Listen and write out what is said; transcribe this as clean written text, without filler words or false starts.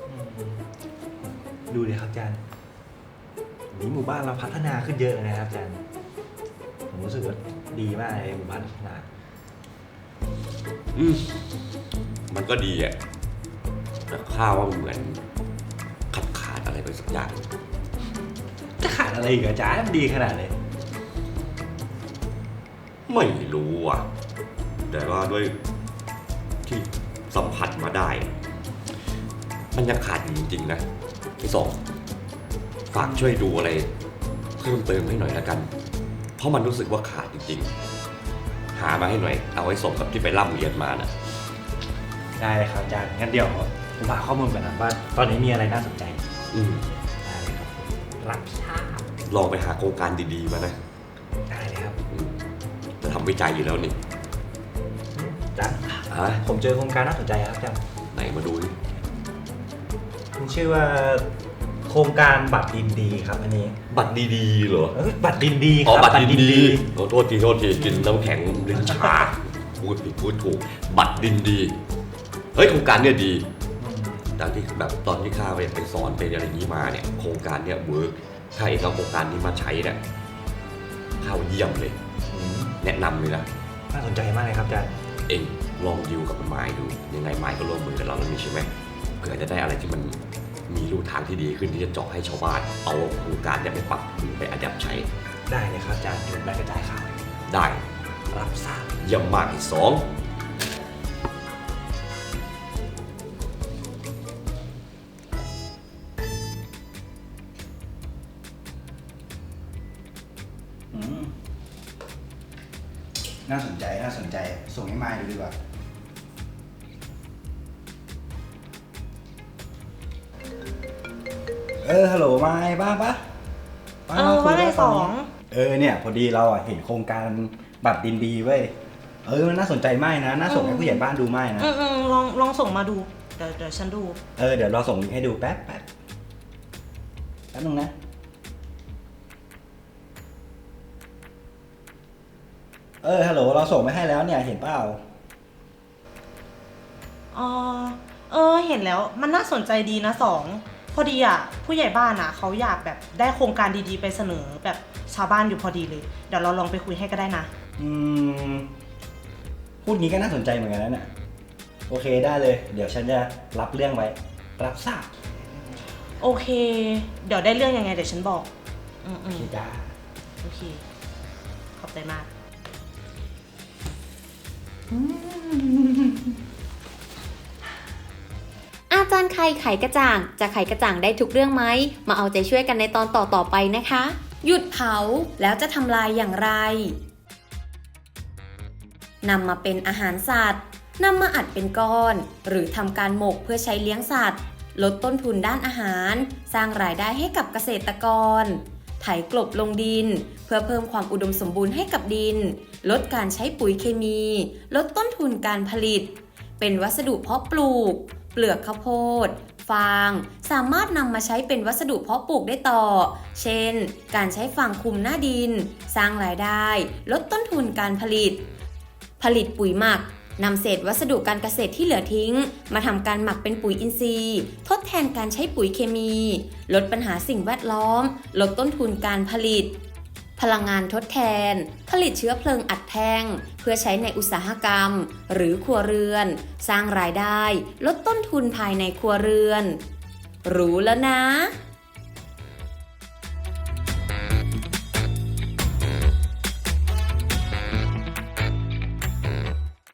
ดูเลยครับอาจารย์นี้หมู่บ้านเราพัฒนาขึ้นเยอะเลยนะครับอาจารย์ผมรู้สึกว่าดีมากเลยหมู่บ้านพัฒนามันก็ดีอ่ะแต่ข้าว่ามันเหมือนขาดอะไรไปสักอย่างจะขาดอะไรอีกอาจารย์มันดีขนาดเลยไม่รู้อ่ะแต่ว่าด้วยที่สัมผัสมาได้มันยังขาดอยู่จริงๆนะพี่สองฝากช่วยดูอะไรเพิ่มเติมให้หน่อยละกันเพราะมันรู้สึกว่าขาดจริงๆหามาให้หน่อยเอาไว้สมกับที่ไปร่ำเรียนมานะได้เลยครับอาจารย์งั้นเดี๋ยวผมหาข้อมูลก่อนนะว่าตอนนี้มีอะไรน่าสนใจได้เลยครับรับทราบลองไปหาโครงการดีๆมานะได้เลยครับจะทำวิจัยอยู่แล้วนี่อาจารย์ผมเจอโครงการน่าสนใจครับอาจารย์ไหนมาดูดิมันชื่อว่าโครงการบัตรดินดีครับอันนี้บัตรดีๆเหรอบัตรดินดีครับบัตรดินดีโทษทีกินน้ำแข็งลิ้นชาพูดผิดพูดถูกบัตรดินดีเฮ้ยโครงการเนี่ยดีดังที่แบบตอนที่ข้าไปสอนไปอะไรนี้มาเนี่ยโครงการเนี่ยเวิร์กถ้าเองเอาโครงการนี้มาใช้เนี่ยข้าเยี่ยมเลยแนะนำเลยนะน่าสนใจมากเลยครับอาจารย์เองลองดิวกับไม้ดูยังไงไม้ก็ร่วมมือกับเราแล้วนี่ใช่ไหมเผื่อจะได้อะไรที่มันมีรูทางที่ดีขึ้นที่จะเจาะให้ชาวบ้านเอาโครงการเนี่ยไปปรับไปอัดแอปใช้ได้เลยครับอาจารย์อยู่แบบกระจายข่าวได้รับทราบเยี่ยมมากที่สองน่าสนใจส่งให้มายดูดีกว่าฮัลโหลมายบ้างปะว่าไงสองเนี่ยพอดีเราเห็นโครงการบัตรดินดีเว้ยมันน่าสนใจมากนะน่าส่งให้ผู้ใหญ่บ้านดูมากนะลองส่งมาดูเดี๋ยวฉันดูเดี๋ยวเราส่งลิงก์ให้ดูแป๊บนึงนะฮัลโหลเราส่งไปให้แล้วเนี่ยเห็นเปล่าเห็นแล้วมันน่าสนใจดีนะสองพอดีผู้ใหญ่บ้านเขาอยากแบบได้โครงการดีๆไปเสนอแบบชาวบ้านอยู่พอดีเลยเดี๋ยวเราลองไปคุยให้ก็ได้นะพูดงี้ก็น่าสนใจเหมือนกันนะเนี่ยโอเคได้เลยเดี๋ยวฉันจะรับเรื่องไว้รับทราบโอเคเดี๋ยวได้เรื่องยังไงเดี๋ยวฉันบอกโอเคจ้าโอเคขอบใจมากอาจารย์ไขกระจ่างจะไขกระจ่างได้ทุกเรื่องไหมมาเอาใจช่วยกันในตอนต่อไปนะคะหยุดเผาแล้วจะทำลายอย่างไรนำมาเป็นอาหารสัตว์นำมาอัดเป็นก้อนหรือทำการหมกเพื่อใช้เลี้ยงสัตว์ลดต้นทุนด้านอาหารสร้างรายได้ให้กับเกษตรกรไถกลบลงดินเพื่อเพิ่มความอุดมสมบูรณ์ให้กับดินลดการใช้ปุ๋ยเคมีลดต้นทุนการผลิตเป็นวัสดุเพาะปลูกเปลือกข้าวโพดฟางสามารถนำมาใช้เป็นวัสดุเพาะปลูกได้ต่อเช่นการใช้ฟางคลุมหน้าดินสร้างรายได้ลดต้นทุนการผลิตปุ๋ยหมักนำเศษวัสดุการเกษตรที่เหลือทิ้งมาทำการหมักเป็นปุ๋ยอินทรีย์ทดแทนการใช้ปุ๋ยเคมีลดปัญหาสิ่งแวดล้อมลดต้นทุนการผลิตพลังงานทดแทนผลิตเชื้อเพลิงอัดแท่งเพื่อใช้ในอุตสาหกรรมหรือครัวเรือนสร้างรายได้ลดต้นทุนภายในครัวเรือนรู้แล้วนะ